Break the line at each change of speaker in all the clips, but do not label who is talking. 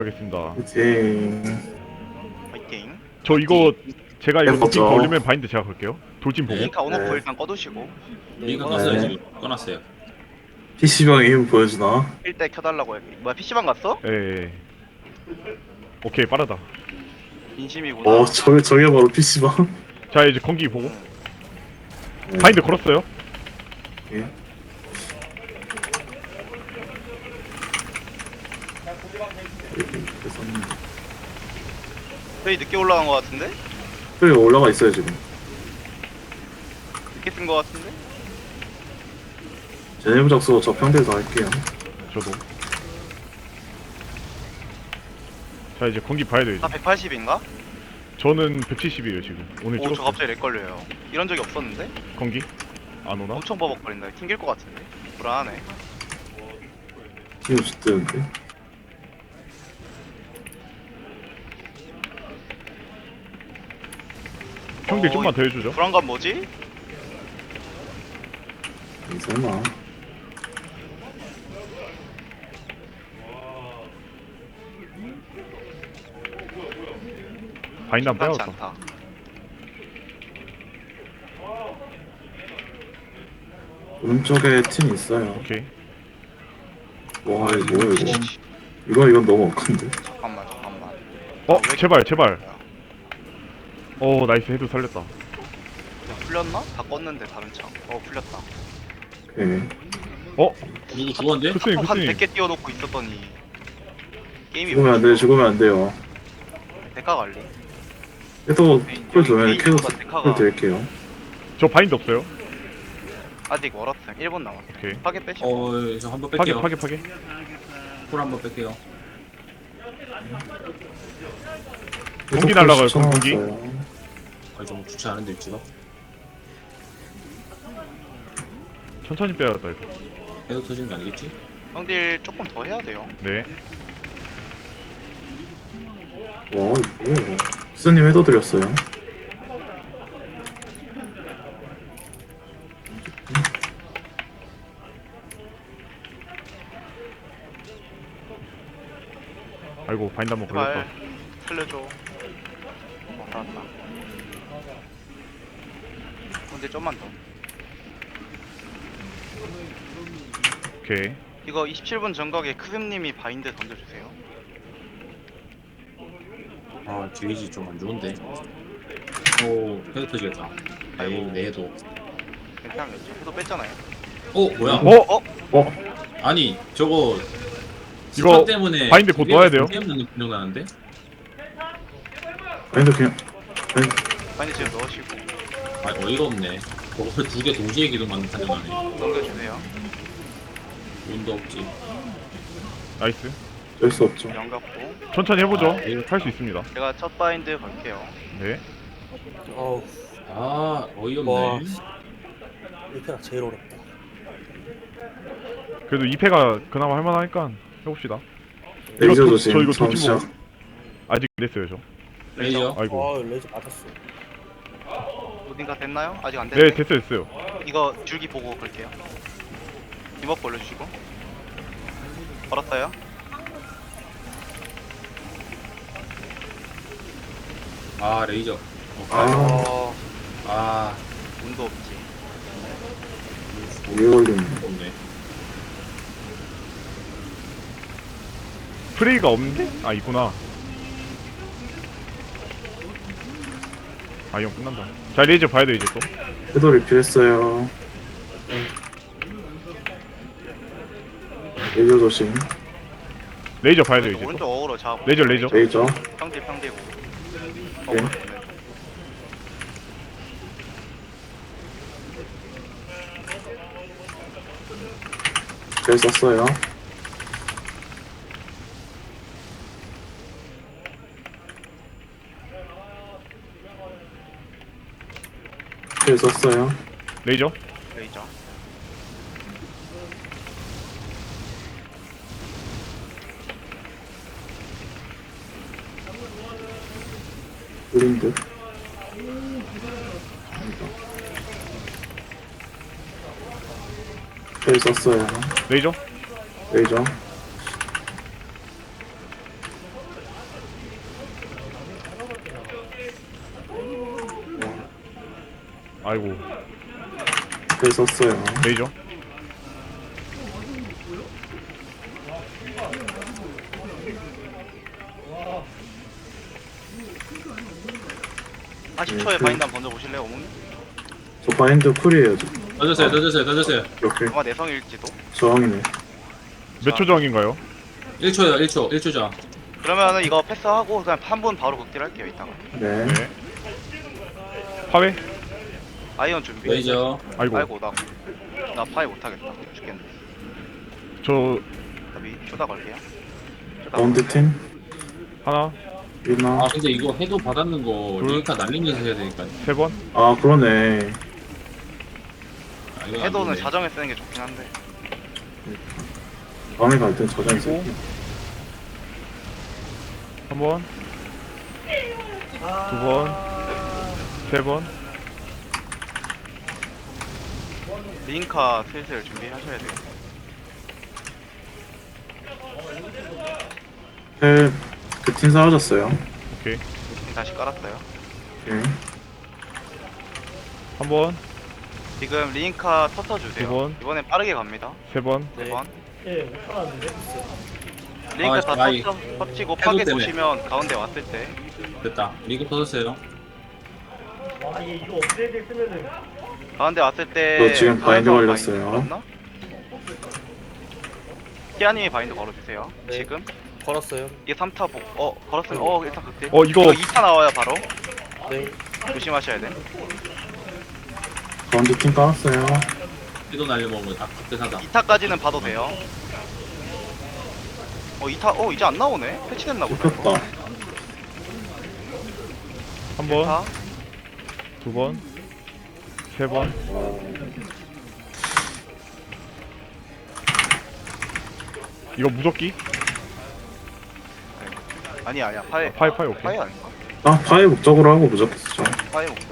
하겠습니다.
이제
파이팅.
저 이거 제가 이거
해보죠.
도핑 걸리면 바인드 제가 걸게요. 돌진 보고.
링카 온오프
네.
일단 꺼두시고
링크
네.
껐어요. 지금 꺼놨어요.
PC방에 힘 보여주나?
1대 켜달라고 해. 뭐야 PC방 갔어?
예. 오케이 빠르다.
진심이구나.
저게 바로 PC방?
자 이제 건기 보고.
네.
바인드 걸었어요.
예.
저희 늦게 올라간 거 같은데?
저기 올라가 있어요 지금.
늦게 뜬 거 같은데?
제네브 작소 저 평대에서 할게요.
저도. 자 이제 건기 봐야 돼요.
나
이제.
180인가?
저는 170이에요 지금. 오늘
오 저
찍었어.
갑자기 렉 걸려요. 이런 적이 없었는데?
건기? 안 오나?
엄청 버벅거린다. 튕길 것 같은데? 불안하네.
힘이 좋대는데.
형들 좀만 더 해주죠.
불안감 뭐지?
설마.
바인드 안
심상치
빼야겠다.
않다.
오른쪽에 팀 있어요.
오케이.
와 이거 뭐야 이거. 이건 너무 억한데.
잠깐만. 왜
제발 제발. 나이스 헤드 살렸다.
풀렸나? 다 껐는데 다른 창. 풀렸다.
오케이.
누구 죽었는데?
크스님
한
크스님.
100개 띄워놓고 있었더니 게임이
죽으면 안 돼. 죽으면 안 돼요.
데카 관리.
그래도 콜 주면
메인
킬콜
데카가
드릴게요.
저 바인드 없어요.
아직 멀었어요. 1분 남았어.
오케이.
파괴 빼시고.
저 한번
파괴
뺄게요.
파괴.
콜 한번 뺄게요.
공기 날라가요, 공기.
좀 좋지 않은데 위치가.
천천히 빼야겠다 이거.
계속 터지는 거 아니겠지?
형들 조금 더 해야 돼요.
네.
와 이거 뭐야 이거. 스님 해도 드렸어요.
아이고 바인드 한번 걸렸다.
제발 살려줘. 알았다. 근데 좀만 더.
오케이.
이거 27분 전각에 크음님이 바인드 던져주세요.
게이지 좀 안 좋은데. 계속 터지겠다.
아이고.
내도.
괜찮겠죠? 해도 뺐잖아요.
뭐야? 아니 저거
이거
스팟 때문에
바인드 곧 넣어야 돼요.
게임 넣는 분명 나는데?
아니 그냥
바인드 지금 넣으시고
어이가 없네. 저걸 두 개 동시에 기동만 판정하네.
넘겨주세요.
운도 없지.
나이스.
될 수 없죠.
연갑고
천천히 해보죠.
네.
할 수 있습니다.
제가 첫 바인드 걸게요.
네.
어우,
어이없네.
와. 1패가 제일 어렵다.
그래도 2패가 그나마 할만하니까 해봅시다.
레이저
저
조심.
이거 돌진
잠시만.
보고 아직 안 됐어요 저.
레이저.
아이고.
레이저 맞았어.
어딘가 됐나요? 아직 안 됐네.
네 됐어요.
이거 줄기 보고 걸게요. 이먹 걸려주시고 걸었어요.
레이저.
아
운도 없지.
오래 걸리네.
없네.
프레이가 없는데? 아 있구나. 이형 끝난다. 자 레이저 봐야 돼 이제 또.
해도 리필했어요. 레이저 조심.
레이저 봐야 돼 이제 또.
오른쪽 어그로 잡고.
레이저.
레이저.
평대고.
네. 잘 썼어요. 잘 썼어요.
레이저.
레이저.
블린드. 잘 썼어요.
레이저.
레이저.
아이고.
텔 썼어요.
레이저.
한 10초에 바인드 한번 던져보실래요 어머니?
저 바인드 쿨이에요. 지금.
던졌어요.
이렇게
아마 내성일지도.
저항이네.
몇 초 저항인가요?
1초요, 1초 전.
그러면은 이거 패스하고 그냥 한 분 바로 극딜 할게요 이따가.
네.
네. 파괴?
아이언 준비.
레이저.
아이고.
아이고 나 파이 못하겠다. 죽겠네.
저
나비 쪼다 걸게요. 쪼다
가운데
걸게요.
팀
하나,
있나?
아 근데 이거 해도 받았는 거
둘.
리니카 날리면서 해야 되니까.
세 번.
아 그러네.
아, 이거 안
해도는
되네.
자정에 쓰는 게 좋긴 한데.
다음에 갈 땐 저장
그리고
있을게.
한 번, 두 번, 세 번.
링카 슬슬 준비하셔야 돼요.
텔그팀 사라졌어요.
오케이.
다시 깔았어요.
오케이.
한 번,
지금 링카 터터 주세요.
두 번.
이번엔 빠르게 갑니다.
세 번.
네
네.
번.
예, 못 살았는데.
링크
아,
다
아이.
터치고 파괴
해도 때문에.
보시면 가운데 왔을 때
됐다. 리그 터졌어요.
와, 이거 업데이트 쓰면은
가운데 왔을 때
저 지금 바인드
가운데
걸렸어요.
걸었나? 키아님이 바인드 걸어주세요.
네.
지금
걸었어요.
이게 3타 걸었으면 일단 극딜.
이거
2타 나와요 바로.
네.
조심하셔야 돼.
가운데 팀 깔았어요.
해도 날려먹으면 다 극대사다.
2타까지는 봐도 돼요. 2타 이제 안 나오네. 패치됐나 보다.
뽑혔다.
한 번,
1타.
두 번, 세 번. 이거 무적기?
아니야 파이
파이 오케이.
파이 아닌가?
아 파이 목적으로 하고 무적했죠.
파이 목표.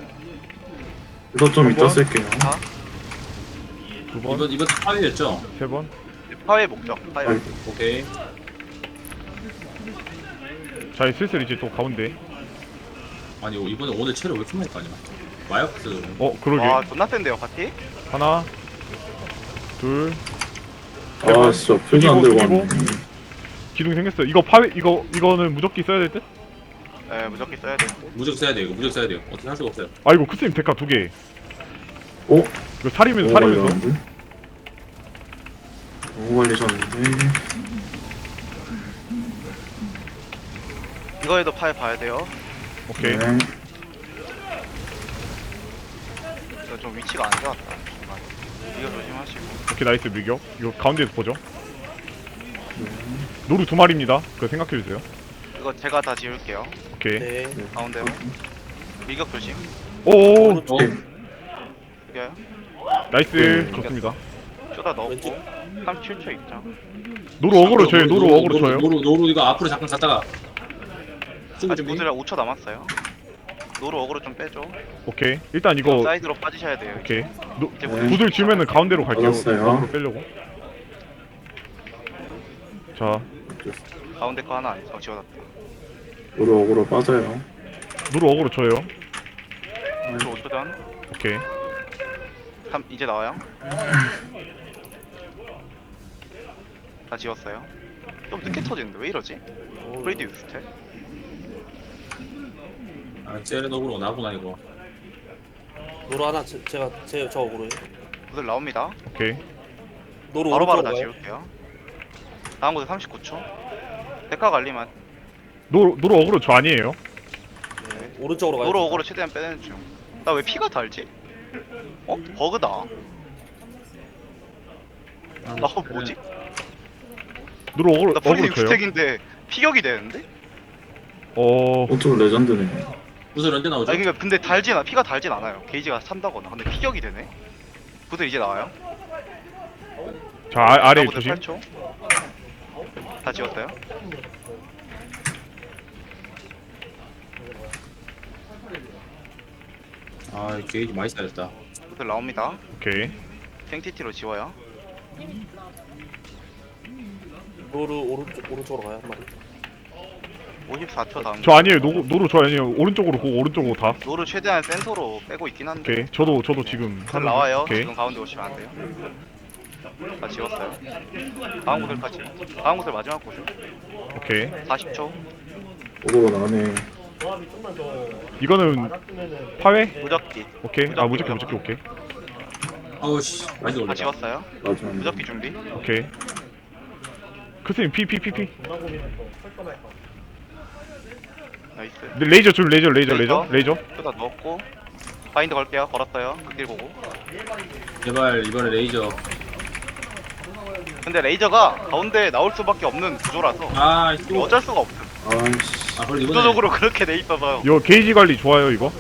이거 좀
한
이따
번?
쓸게요.
두 번,
이번 파이였죠?
세 번.
파이 목적. 파이
아이.
목적.
오케이.
자, 슬슬 이제 또 가운데.
아니 이번에 오늘 체력 왜 이렇게 많이 까냐? 마이어스.
그러게.
와 존나 센데요 파티?
하나, 둘.
아 진짜 표지 안 들고
숙이고.
왔네.
기둥 생겼어. 이거는 무적기 써야 될 듯?
네 무적기 써야 돼.
무적 써야 돼 이거. 무적 써야 돼요. 어떻게 할 수가 없어요.
아이고, 크스님 데카 두 개.
오?
이거 살이면서,
너무
살이면서.
걸렸는데? 너무 걸리셨는데.
이거에도 파이 봐야 돼요.
오케이.
네.
이거 좀 위치가 안 좋았다. 중간에. 이거 조심하시고.
오케이, 나이스 밀격. 이거 가운데에서 보죠. 노루 두 마리입니다. 그거 생각해주세요.
이거 제가 다 지울게요.
오케이.
네.
가운데로. 밀격 조심.
오,
어?
이겨요.
나이스.
네.
좋습니다.
쪼다 넣었고.
왼쪽.
37초 입장.
노루 어그로 줘요. 노루 어그로 줘요.
노루 이거 앞으로 잠깐 갔다가. 수비
아직
준비.
구슬이 5초 남았어요. 노루 어그로 좀 빼줘.
오케이. 일단 이거
사이드로 빠지셔야 돼요.
오케이.
이제
네.
구들 주면은 가운데로 갈게요.
받았어요.
어그로 빼려고. 자,
가운데 거 하나 안 지워놨다.
오로 빠져요.
노루 어그로 줘요.
5초 5초 전.
오케이.
이제 나와요. 다 지웠어요. 좀 늦게 터지는데 왜 이러지? 프리디 유스텔?
아 쟤네너구로 나구나 이거.
노루 하나 제가 저 오그로요.
구슬 나옵니다.
오케이.
노루
바로바로
오른쪽으로
다
가요.
지울게요. 다음 구슬 39초. 데카 관리만.
노루 어그로 저 아니에요.
네. 오른쪽으로 가요.
노루 어그로 최대한 빼내는 중. 나 왜 피가 달지? 버그다. 나 뭐지?
노루 어그로
나 프리디
어그로 줘요.
유스택인데 피격이 되는데?
좀 레전드네.
구슬 언제 나오죠?
아니 그러니까 근데 피가 달진 않아요. 게이지가 찬다거나. 근데 피격이 되네. 구슬 이제 나와요.
자, 아래
구슬
조심.
8초. 다 지웠어요.
아 게이지 많이 쌓였다.
구슬 나옵니다.
오케이.
생티티로 지워요.
노루 오른쪽으로 가요 한 마리.
54초 다음.
저 아니에요. 노루 저 아니에요. 오른쪽으로 고 오른쪽으로 다.
노를 최대한 센터로 빼고 있긴 한데.
오케이. 저도 지금
글 나와요.
오케이.
지금 가운데 오시면 안 돼요. 다 지웠어요. 다음 구슬까지. 다음 구슬 마지막 구슬.
오케이.
40초.
오도가 나네.
이거는 파회?
무적기.
오케이. 아 무조건 오케이.
아우 씨 많이
다
올라.
지웠어요.
맞아.
무적기 준비.
오케이. 크스님 피.
나이스.
레이저 줄 레이저.
쏟아 넣었고. 바인드 걸게요. 걸었어요. 극딜 보고.
제발 이번에 레이저.
근데 레이저가 가운데 나올 수밖에 없는 구조라서
아
이거
또.
어쩔 수가 없음.
아이씨.
아 그럼 이번에.
구조적으로 그렇게 돼 있어서
이거 게이지 관리 좋아요 이거.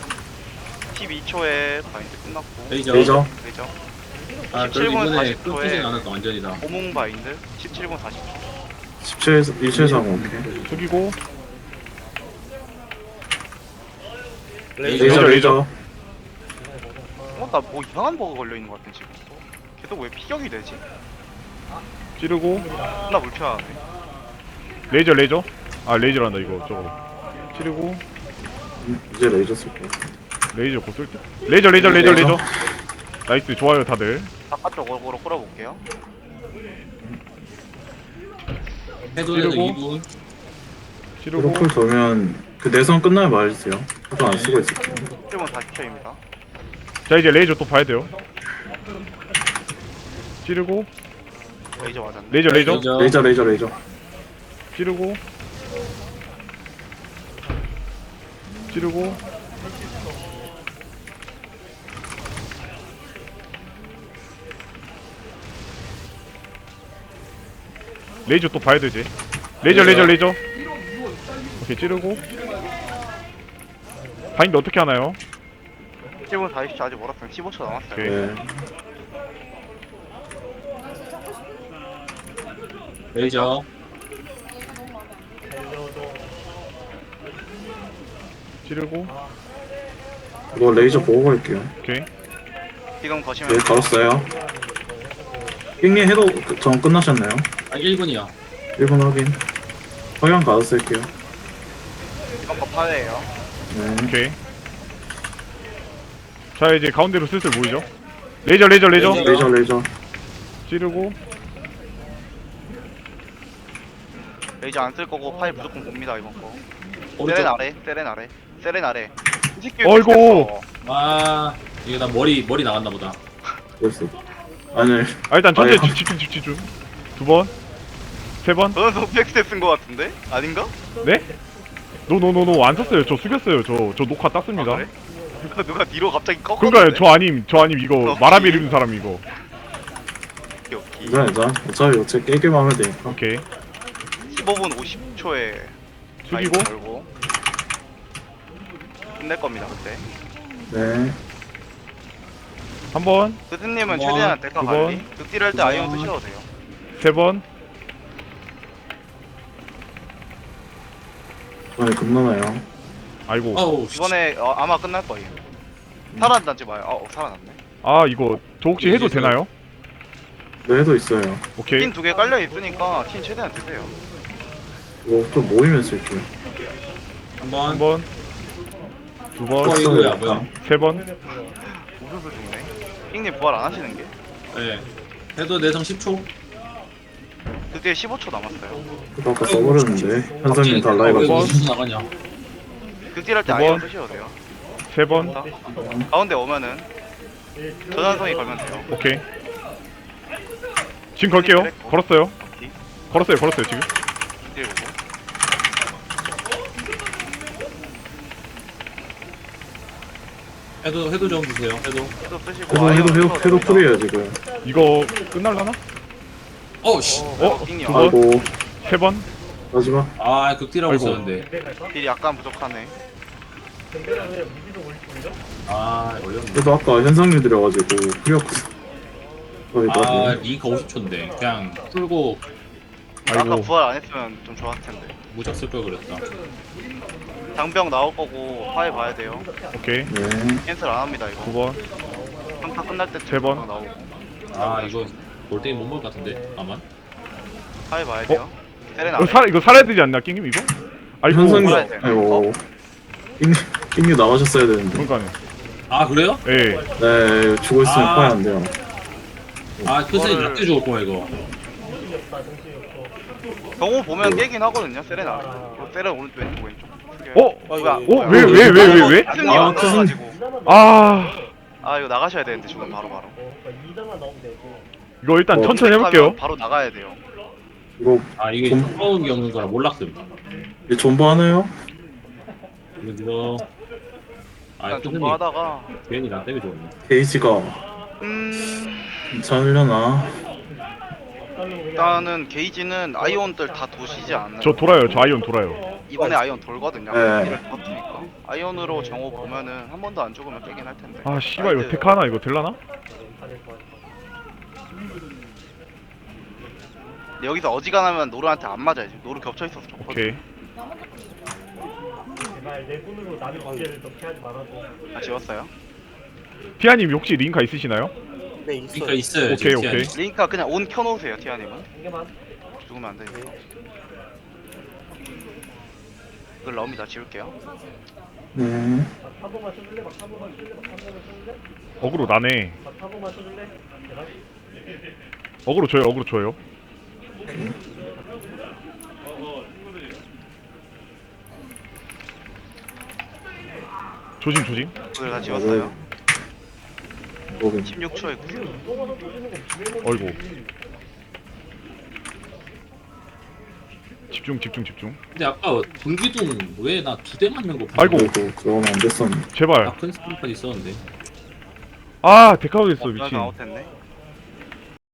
12초에 바인드 끝났고.
레이저.
레이저.
레이저.
아 그래도
17분
이번에
40초에
끊기진 않았다 완전이다.
호몽 바인드 17분 40초.
17상 오케이.
숙이고
레이저 레이저.
나 뭐 이상한 버그 걸려 있는 것 같은 지금. 계속 왜 피격이 되지?
찌르고
나 불편하네.
레이저. 아 레이저란다 이거 저거. 찌르고
이제 레이저 쓸 거야.
레이저 곧 쓸 때. 레이저. 나이스 좋아요 다들.
바깥쪽으로 끌어볼게요.
해도에도
찌르고.
2분.
찌르고
프로풀 돌면 그 내선 끝나면 말해주세요. 하도 안 쓰고 있을게요.
17분 40초입니다.
자 이제 레이저 또 봐야 돼요. 찌르고
레이저 맞았네.
레이저.
레이저.
찌르고 레이저 또 봐야 되지. 레이저. 오케이 찌르고 바인드 어떻게 하나요?
17분 40초 아직 멀었어요. 15초 남았어요.
오케이.
네.
레이저.
찌르고
이거 레이저 보고 갈게요.
오케이.
지금 거시면
네, 걸었어요. 깽님 해도 전 끝나셨나요?
아 1분이야.
1분 확인. 성향 가서 쓸게요.
이번 거 파회예요.
네.
오케이. 자 이제 가운데로 슬슬 모이죠. 레이저.
레이저.
찌르고
레이저 안 쓸 거고 파일 무조건 봅니다 이번 거.
오른쪽.
세렌 아래. 이 새끼
어이구.
아 이게 나 머리 나갔나 보다.
됐어. 아니,
아 일단 천천히
아니,
집중. 2번 3번
저는 소프엑스 쓴거 같은데? 아닌가?
네? 노 안 썼어요. 저 숙였어요. 저 녹화 땄습니다.
아, 그래? 누가 뒤로 갑자기 꺾었는데?
그러니까요. 저 아님 이거 마라비 이름 사람 이거.
오케이.
괜찮아. 어차피 깨기만 하면 되니까.
오케이.
15분 50초에
숙이고
걸고 끝낼 겁니다 그때.
네.
한번
스승님은
두 번,
최대한 데카
두
관리.
번,
극딜 할때
두
아이언
번.
쓰셔도 돼요.
3번
아니, 겁나나요?
아이고
아우 씨.
이번에 아마 끝날 거예요. 살아난지 마요. 살아났네.
아 이거 저 혹시 해도 되나요?
네, 해도 있어요.
오케이.
틴 2개 깔려 있으니까 틴 최대한 드세요.
이거 좀 모이면 쓸게요.
한번.
한번 2번
어, 이거야, 뭐야?
3번
우수수 중네. 킹님 부활 안 하시는 게?
네. 해도 내성 10초.
그때 15초 남았어요.
그거 아까 써버렸는데. 현상님 달라해가지고.
무슨 나가냐?
극딜 할때
두
아이언
번.
쓰셔도 돼요.
3번
가운데 오면은 전환성이 걸면 돼요.
오케이. 지금 걸게요. 걸었어요. 지금.
극딜 보고.
해도 좀 주세요. 해도.
해도 쓰시고 아이언 쓰셔도
해도
됩니다.
풀이에요, 지금.
이거 끝날라나?
어우 씨.
킹님
두 번.
아이고,
3번
마지막.
아 극딜하고
아이고.
있었는데.
딜이 약간 부족하네.
아 어렵네.
그래도 아까 현상님 들여가지고 풀이었거든.
아 링크 50초인데 그냥 풀고
아까
아이고.
부활 안 했으면 좀 좋았을 텐데.
무적 쓸 걸 그랬다.
장병 나올 거고 파일 봐야 돼요.
오케이.
네.
캔슬 안 합니다 이거.
2번
평타 끝날 때
세 번.
나오고.
아 이거 골대이 못 먹을 것 같은데 아만.
파일 봐야 돼요. 세렌
이거 살아야 되지 않나 깽님 이거? 아이고
현성이
뭐라 해야 돼?
아이고 잉유 나가셨어야 되는데.
그러니까요.
아 그래요?
예.
네 죽어 있으면
아.
파야 안 돼요.
아 큰생이
그거를-
낙대 죽었구만 이거.
경호 보면 깨긴 하거든요. 세레나. 이거 세레 오른쪽 왼쪽 왼쪽.
어?
뭐야?
어? 왜 왜?
승이
아,
안 나와가지고.
아
이거 나가셔야 되는데 지금 바로.
이거 일단
어,
천천히 해볼게요.
바로 나가야 돼요.
이거
아 이게
좀-
처음이 없는 거라 몰랐음.
이제 존버 하나요?
이거 아
일단
큰생이
존버하다가
괜히 낙대가 죽었네.
게이지가 괜찮으려나?
일단은 게이지는 아이온들 다 도시지 않나요?
저 돌아요. 저 아이온 돌아요.
이번에 아이온 돌거든요.
네.
이를 버티니까 아이온으로 정호 보면은 한 번도 안 죽으면 깨긴 할 텐데.
아 씨발 이거 테크 하나 이거 될라나?
근데 여기서 어지간하면 노르한테 안 맞아야지. 노르 겹쳐 있어서 좋거든.
오케이.
다 지웠어요.
티아님 혹시 링카 있으시나요?
네 있어요.
그러니까 있어요.
오케이,
지금
오케이.
티안이.
링카 그냥 온 켜놓으세요, 티아님은. 죽으면 안 되니까. 이걸 럼이다 지울게요.
네.
어그로 나네. 어그로 줘요. 어그로 줘요. 조심 조심.
이걸 다 지웠어요.
거긴
16초에 구슬.
어이구. 집중 집중 집중.
근데 아까 불기둥 왜 나 2대 맞는 거
아이고.
그래도 그거는 안 됐었는데.
제발.
나큰 스킬까지 있었는데.
아 데카우드 됐어 미친.
아웃했네.